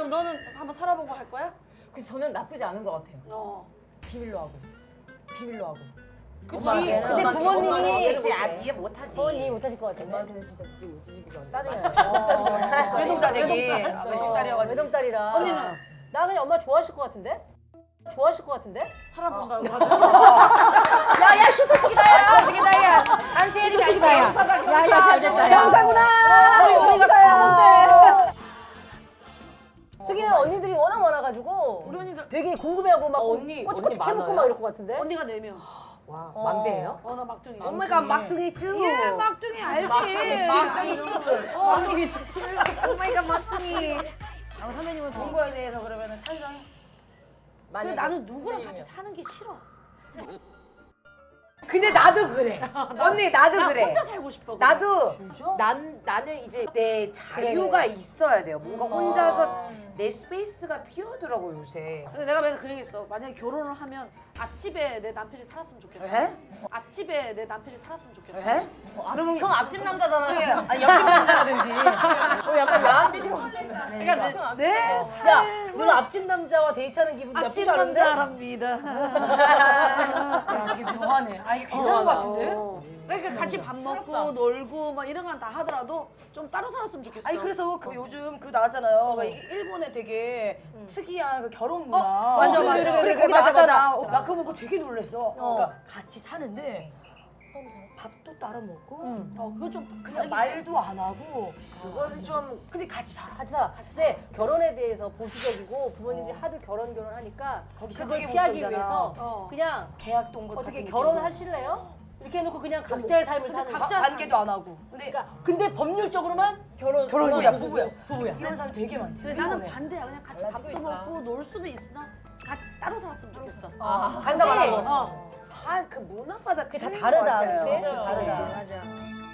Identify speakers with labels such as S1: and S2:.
S1: 그럼 너는 한번 살아보고 할 거야?
S2: 그래서 저는 나쁘지 않은 것 같아요. 비밀로 하고. 비밀로 하고.
S3: 그치.
S2: 엄마한테는
S3: 근데 부모님이
S2: 이해
S3: 못하지.
S2: 부모님이 못하실 것 같은데.
S4: 엄마한테는 진짜 이기가
S2: 싸대요.
S4: 외동자제기.
S2: 외동딸이어가지고. 외동딸이라.
S1: 언니는?
S2: 나 그냥 엄마 좋아하실 것 같은데? 좋아하실 것 같은데?
S1: 살아본다고
S4: 야야 희소식이다 야.
S3: 희소식이다 야. 잔치해지 잔치.
S4: 야야 잘됐다 야.
S2: 영사구나.
S4: 우리가
S2: 살았는데. 수기는 언니들이 워낙 많아가지고
S1: 우리 언니들
S2: 되게 궁금해하고 막
S4: 언니
S2: 꼬치꼬치 캐묻고
S4: 많아요?
S2: 막 이럴 것 같은데?
S1: 언니가 4명.
S4: 와 막내예요?
S1: 나 막둥이.
S3: 엄마가 막둥이 쭈.
S1: 예, 막둥이 알지.
S3: 막둥이 쭈.
S4: 막둥이
S3: 엄마가 막둥이.
S1: 선배님은 동거에 대해서 그러면 찬성해? 근데
S4: 만약에
S1: 나는 누구랑
S4: 선생님이요.
S1: 같이 사는 게 싫어.
S3: 근데 나도 그래. 언니 나도
S1: 나
S3: 그래.
S1: 혼자 살고 싶어.
S3: 나도
S2: 진짜?
S3: 나는 이제 내 자유가
S2: 그래.
S3: 있어야 돼요. 뭔가 혼자서 내 스페이스가 필요하더라고 요새.
S1: 근데 내가 맨날 그 얘기했어. 만약에 결혼을 하면 앞집에 내 남편이 살았으면 좋겠다.
S3: 에?
S1: 앞집에 내 남편이 살았으면 좋겠다.
S3: 에?
S4: 그러면 그럼 앞집 남자잖아요. 아니 옆집 남자라든지.
S2: 약간 야한 비디오.
S1: 그러니까 내
S2: 야,
S1: 삶을
S2: 너 앞집 남자와 데이트하는 기분
S1: 앞집
S2: 나쁘지 않은데?
S1: 남자랍니다.
S4: 야 이게 묘하네. 아 이게 괜찮은 것 같은데?
S1: 그러니까 같이 밥 먹고 놀고 막 이런 건 다 하더라도 좀 따로 살았으면 좋겠어.
S4: 아니 그래서 그 요즘 그 나왔잖아요. 막 일본에 되게 특이한 그 결혼 문화.
S1: 맞아, 맞아.
S4: 그래
S2: 그래,
S4: 거기
S2: 맞아,
S4: 나왔잖아.
S2: 맞아.
S4: 나 그거 보고 되게 놀랬어. 그러니까 같이 사는데 밥도 따로 먹고
S1: 그거 좀
S4: 그냥 말도 안 하고
S3: 그건 좀
S4: 근데 같이 살아.
S2: 같이 살아. 근데 결혼에 대해서 보수적이고 부모님들이 하도 결혼하니까
S4: 거기서
S2: 그걸
S4: 되게
S2: 피하기
S4: 보수적이잖아.
S2: 위해서 그냥
S4: 대학 동거
S2: 어떻게
S4: 같은
S2: 결혼하실래요? 이렇게 해놓고 그냥 각자의 삶을 사는 거야.
S1: 각자
S4: 관계도 안 하고.
S2: 근데 법률적으로만
S4: 부부야. 이런 사람 되게 많대.
S1: 근데 나는
S4: 일본에.
S1: 반대야. 그냥 같이 밥도 먹고 놀 수도 있으나 따로 살았으면 좋겠어.
S2: 간섭 안 하고.
S3: 다 그 문화마다
S2: 그게 다
S3: 틀린
S2: 다르다,
S3: 것 같아요.
S2: 그치?
S1: 맞아.
S2: 다르다.
S1: 맞아.